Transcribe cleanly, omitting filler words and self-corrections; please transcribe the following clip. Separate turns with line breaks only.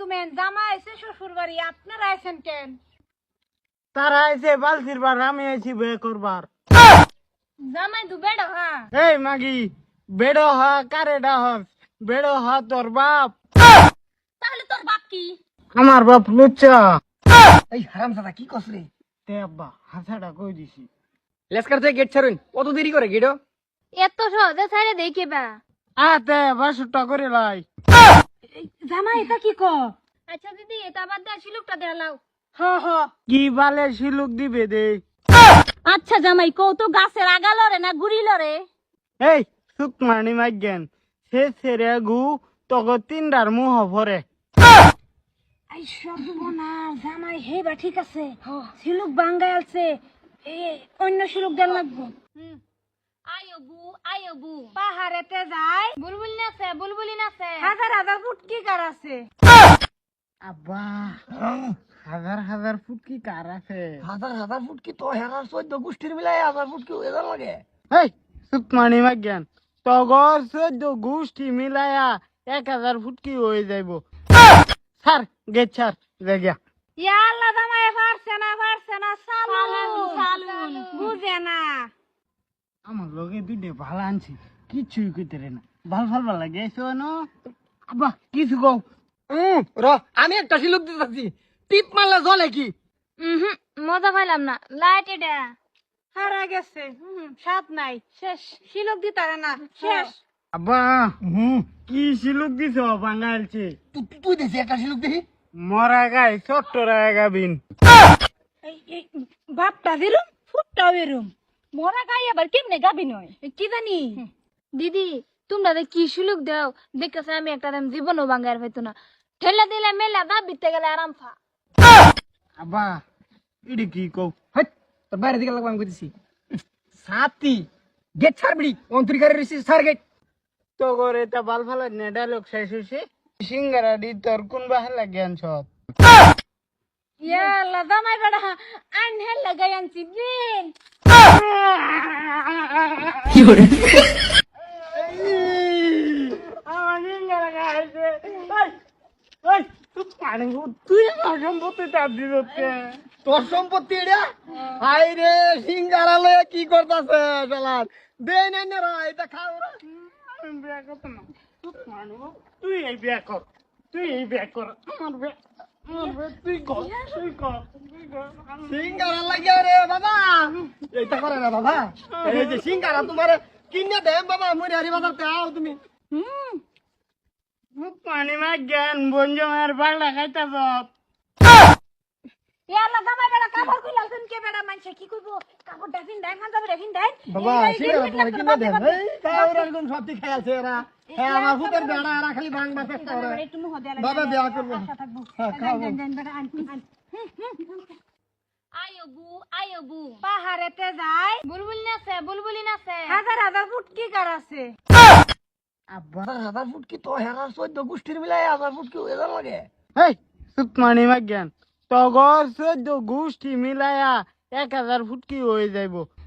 কমেন জামা এসে শ্বশুর বাড়ি আপনারা আছেন কেন?
তারা আইছে বালতির বার, আমি আইছি বে করবার।
জামাই দু বেড় হা
এই মাগি, বেড়ো হা কারে ডাহস? বেড়ো হা তোর বাপ।
তাহলে তোর বাপ কি?
আমার বাপ লুচ্চা।
এই হারামজাদা কি কস রে?
তে আব্বা হাসাটা কই দিছি।
লেসকার থেকে গেট ছাড়ুন, কত দেরি করে গেটো?
এত সহজে ছাইরে দেখে বা
আতে বাসুটা করে লাই।
জামাই এটা কি ক? আচ্ছা দিদি এটা বাদ দে শিলুকটা দেলাও। হ হ
কি বালে শিলুক দিবে দে।
আচ্ছা জামাই কও তো গাছের আগা লরে না গুড়ি লরে?
এই সুকমানি মাইগেন, সে সেরে গু তগো তিনডার মুহ ভরে।
আই সর্বনা জামাই হেবা ঠিক আছে শিলুক বাঙ্গাই আছে অন্য শিলুক দেন লাগবো। আয়বু পাহাড়েতে যায় বুলবুলি নাচে হাজার হাজার ফুটকি কার আছে।
আব্বা হাজার হাজার ফুট কি কার আছে?
হাজার হাজার ফুট কি তো হেরার 14 গোষ্ঠীর মিলাই হাজার ফুট কি এদার লাগে?
এই সুকমানি মাইগেন, তগর 14 গোষ্ঠী মিলায়া 1000 ফুট কি হয়ে যাইব। স্যার গেট স্যার জায়গা।
ইয়া আল্লাহ জামাই পারছে না সালুন বুঝে না।
আমার লগে দুইটা ভালো আনছি, কিছুই কইতে রে না। ভাল ভাল লাগে এসো না আব্বা, কিছু কও।
র আমি একটা শিলুক দিতেছি, টিপ মারলে জ্বলে কি?
মজা পাইলাম না লাইট এটা হারা গেছে সাত নাই শেষ শিলক দিতারে না শেষ।
আব্বা কি শিলুক দিছ বাঙালছে?
তুই দেখছি একটা শিলুক দেখি।
মরা গাই চট্টরা গাবিন।
বাপটা বেরুম ফুটটা বেরুম মরা গাই আবার কেমনে গাবি নয় কি জানি। দিদি তোমরা কি সুলুক দাও দেখতেছে আমি একটা দাম জীবনও বাঙ্গার হইতো না ঠেলা দিলে মেলা দা বিতে গেলে আরাম ফা।
আব্বা ইডি কি কও?
হাট তোর বাইরে দিকে লাগবে আমি কইতেছি। সাতি গেট ছাড়বি অন্তরিকারে রিসি সার গেট।
তো করে তা ভাল ভাল না ডায়লগ শেষ হইছে। সিঙ্গারা দি তোর কোন বাহালা জ্ঞান সব।
ইয়া আল্লাহ জামাই বেড়া আইন হেল লাগাই আনছি দিন।
কি করে?
আমার সিঙ্গারা খাইছে। ওই তুই পানি তুই আমার সম্পত্তি চাপ দিতে।
তোর সম্পত্তি এটা? হাই রে সিঙ্গারা লয়ে কি করতাছে শালার? দে নাই না রা এটা খাও রা।
বিয়া করতো না তুই এই বিয়া কর, তুই এই বিয়া কর। আমার বিয়া তুই কর, তুই কর, তুই কর।
সিঙ্গারা লাগে রে বাবা, এইটা করে না বাবা। এই যে সিঙ্গারা তোমারে কিনে দেম বাবা, মুই হারি বাজারতে আও তুমি।
পানি মা জ্ঞান বঞ্জমের বাড়া খাইতা সব।
ইয়া আল্লাহ জামাই বেড়া কাপড় কইলাছেন কে বেড়া মানছে কি কইবো কাপড় ডাফিন দেন হাজার ডাফিন দেন
বাবা সিঙ্গারা তোমারে কিনে দেম। এই খাও রা কোন সবটি খাইছে এরা। হ্যাঁ আমার হুতের বেড়া এরা খালি ভাঙবা চেষ্টা করে।
একটু মুহ দেয়া
বাবা বিয়া করব। হ্যাঁ খাও।
দেন বেড়া আন আয়বু পাহাড়েতে যায় বুলবুলি নাচে হাজার হাজার ফুটকি কার আছে।
আব্বা
হাজার ফুট কি তো হেরার 14 গোষ্ঠীর মিলাই হাজার ফুট কি এদার লাগে?
এই সুকমানি মা জ্ঞান, তগর 14 গোষ্ঠী মিলায়া 1000 ফুট কি হয়ে যাইব।